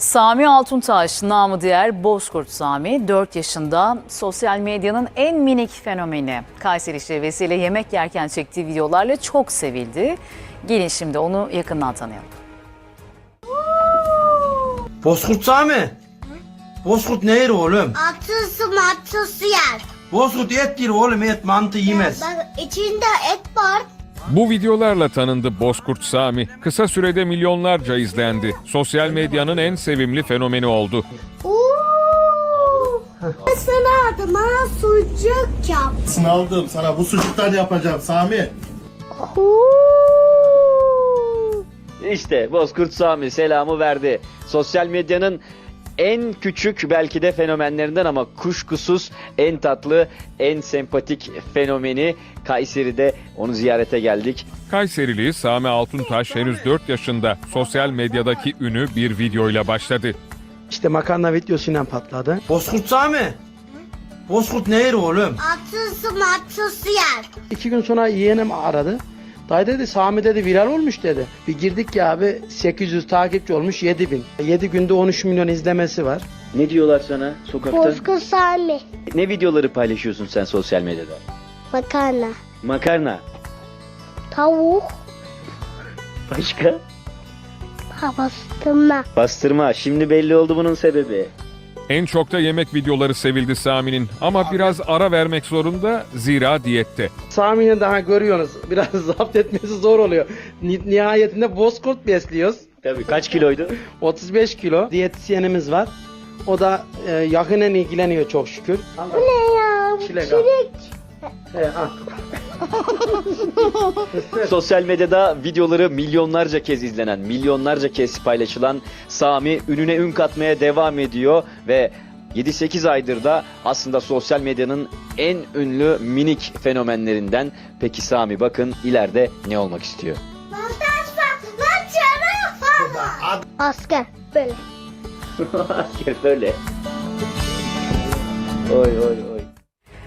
Sami Altuntaş, namı diğer Bozkurt Sami, 4 yaşında, sosyal medyanın en minik fenomeni. Kayseri şivesiyle yemek yerken çektiği videolarla çok sevildi. Gelin şimdi onu yakından tanıyalım. Bozkurt Sami. Bozkurt ne yer oğlum? Atısı yer. Bozkurt et yer oğlum, et mantı yemez. Bak içinde et var. Bu videolarla tanındı Bozkurt Sami. Kısa sürede milyonlarca izlendi. Sosyal medyanın en sevimli fenomeni oldu. Sana adıma sucuk yap. Sınavdım sana bu sucuktan yapacağım Sami. İşte Bozkurt Sami selamı verdi. Sosyal medyanın en küçük belki de fenomenlerinden ama kuşkusuz en tatlı, en sempatik fenomeni. Kayseri'de onu ziyarete geldik. Kayserili Sami Altuntaş henüz 4 yaşında. Sosyal medyadaki ünü bir videoyla başladı. İşte makarna videosuyla patladı. Bozkurt Sami. Bozkurt ne yer oğlum? Atısı yer. 2 gün sonra yeğenim aradı. Dayı dedi Sami dedi viral olmuş dedi. Bir girdik ya abi 800 takipçi olmuş 7000. 7 günde 13 milyon izlemesi var. Ne diyorlar sana sokakta? Bozkurt Sami. Ne videoları paylaşıyorsun sen sosyal medyada? Makarna. Makarna. Tavuk. Başka? Bastırma. Bastırma. Şimdi belli oldu bunun sebebi. En çok da yemek videoları sevildi Sami'nin. Ama biraz ara vermek zorunda zira diyette. Sami'yi daha görüyorsunuz. Biraz zapt etmesi zor oluyor. Nihayetinde Bozkurt besliyoruz. Tabii kaç kiloydu? 35 kilo. Diyetisyenimiz var. O da yakinen ilgileniyor çok şükür. Bu ne ya? Çilek. Al. Sosyal medyada videoları milyonlarca kez izlenen, milyonlarca kez paylaşılan Sami ününe ün katmaya devam ediyor ve 7-8 aydır da aslında sosyal medyanın en ünlü minik fenomenlerinden. Peki Sami bakın ileride ne olmak istiyor? Asker. Böyle. Böyle. Oy oy oy.